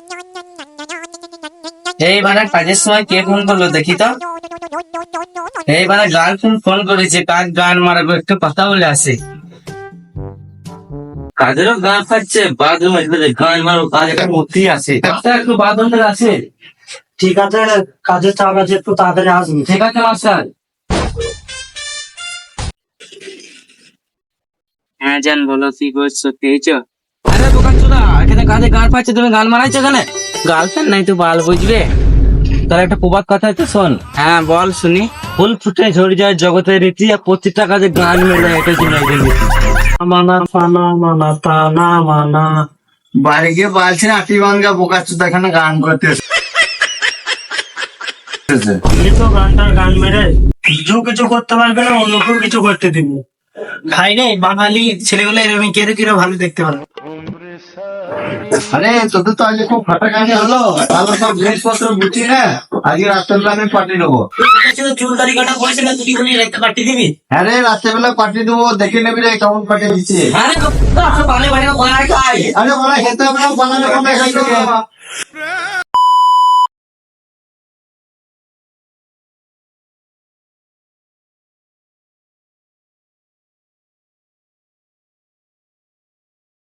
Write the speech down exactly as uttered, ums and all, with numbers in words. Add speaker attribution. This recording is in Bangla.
Speaker 1: এইবারে কাজের সময় কে ফোন করলো দেখি তো। এইবারে গার্লফ্রেন্ড ফোন করেছে, কাজ গান মারাবো, একটু কথা বলে আসে। কাজেরও গান খাচ্ছে, বাথরুমে গান মারো, কাজ একটা মূর্তি আছে, একটু বাথরুমে আছে।
Speaker 2: ঠিক আছে, কাজের চাপ আছে, একটু তাড়াতাড়ি আসবি।
Speaker 1: ঠিক আছে মাস্টার। হ্যাঁ জান, বলো কি করছো, পেয়েছো? আরে দোকান চোদা, এখানে কাজে গান পাচ্ছে, তুমি গান মারাইছো এখানে? গার্লফ্রেন্ড নাই তো বাল বুঝবে। তাহলে একটা প্রবাদ কথা আছে শোন। হ্যাঁ বল শুনি। ফুল ফুটে ঝরে যায় জগতের রীতি, আর প্রত্যেকটা কাজে গান মেলে, এটা জন্য
Speaker 2: মানা ফানা মানা তানা মানা।
Speaker 3: বাড়ি গিয়ে বলছি না আটি বাঙ্গা বোকা চোদা এখানে গান করতে এসেছে।
Speaker 2: আমি তো গানটার গান মেরে কিছু কিছু করতে পারবে না, অন্যকেও কিছু করতে দিব। খাই রে বাঙালি ছেলেগুলো এরকম কেড়ে কেড়ে ভালো দেখতে পারবে।
Speaker 3: আরে তোদের তো আজকে খুব ফাটা কাহিনী হলো, ভালো সব জিনিসপত্র বুঝি না, আজকে রাত্রেবেলা আমি পাঠিয়ে দেবো।
Speaker 2: চুল দাড়ি কাটা পয়সা না তুই বলি একটা কাটিয়ে দিবি।
Speaker 3: হ্যাঁ রে রাত্রেবেলা পাঠিয়ে দেবো, দেখে নেবি রে কেমন পাঠিয়ে দিচ্ছে।
Speaker 2: আরে বানে বানে বানাই খাই।
Speaker 3: আরে বলা খেতে হবে না, বানালে কোনো খাইতে হবে।